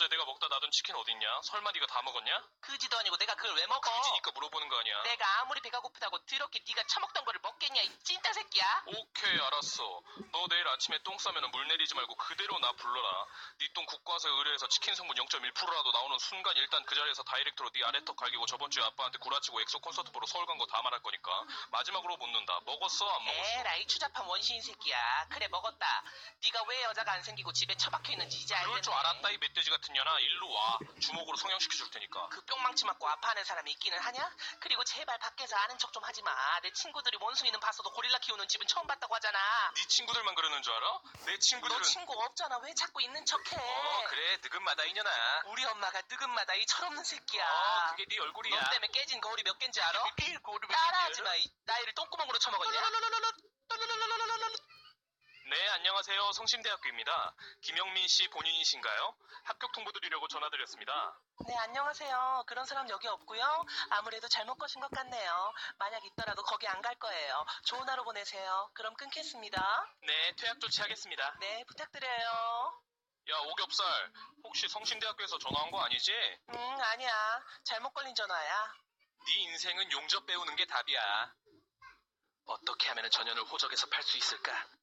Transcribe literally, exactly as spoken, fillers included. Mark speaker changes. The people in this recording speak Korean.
Speaker 1: 어제 내가 먹다 놔둔 치킨 어딨냐? 설마 네가 다 먹었냐?
Speaker 2: 그지도 아니고 내가 그걸 왜 먹어?
Speaker 1: 그지니까 물어보는 거 아니야.
Speaker 2: 내가 아무리 배가 고프다고 더럽게 네가 처먹던 거를 먹겠냐 이 찐따 새끼야.
Speaker 1: 오케이, 알았어. 너 내일 아침에 똥 싸면 물 내리지 말고 그대로 나 불러라. 네 똥 국과수 의뢰해서 치킨 성분 영 점 일 퍼센트라도 나오는 순간 일단 그 자리에서 다이렉트로 네 아래턱 갈기고 저번 주에 아빠한테 구라치고 엑소 콘서트 보러 서울 간 거 다 말할 거니까 마지막으로 묻는다. 먹었어, 안 먹었어?
Speaker 2: 에라이 추잡한 원시인 새끼야. 그래 먹었다. 네가 왜 여자가 안 생기고 집에 처박혀 있는지 이제 알겠네.
Speaker 1: 그럴 줄 알았다, 이 멧돼지 같은 년아. 일로 와. 주먹으로 성형시켜 줄 테니까.
Speaker 2: 그 뿅망치 맞고 아파하는 사람이 있기는 하냐? 그리고 제발 밖에서 아는 척 좀 하지 마. 내 친구들이 원숭이는 봤어도 고릴라 키우는 집은 처음 봤다고 하잖아.
Speaker 1: 네 친구들만 그러는 줄 알아? 내 친구들은...
Speaker 2: 너 친구 없잖아. 왜 자꾸 있는 척해?
Speaker 1: 어, 그래. 느긋마다 이년아.
Speaker 2: 우리 엄마가 뜨금마다 이 철없는 새끼야.
Speaker 1: 어, 그게 네 얼굴이야.
Speaker 2: 너 때문에 깨진 거울이 몇 갠지 알아?
Speaker 1: 거울이 몇
Speaker 2: 따라하지 마. 이 나이를 똥구멍으로 쳐먹었냐?
Speaker 1: 네, 안녕하세요. 성심대학교입니다. 김영민 씨 본인이신가요? 합격 통보 드리려고 전화드렸습니다.
Speaker 2: 네, 안녕하세요. 그런 사람 여기 없고요. 아무래도 잘못 거신 것 같네요. 만약 있더라도 거기 안 갈 거예요. 좋은 하루 보내세요. 그럼 끊겠습니다.
Speaker 1: 네, 퇴학 조치하겠습니다.
Speaker 2: 네, 부탁드려요.
Speaker 1: 야, 오겹살. 혹시 성심대학교에서 전화한 거 아니지?
Speaker 2: 응, 아니야. 잘못 걸린 전화야.
Speaker 1: 네 인생은 용접 배우는 게 답이야. 어떻게 하면 전현을 호적에서 팔 수 있을까?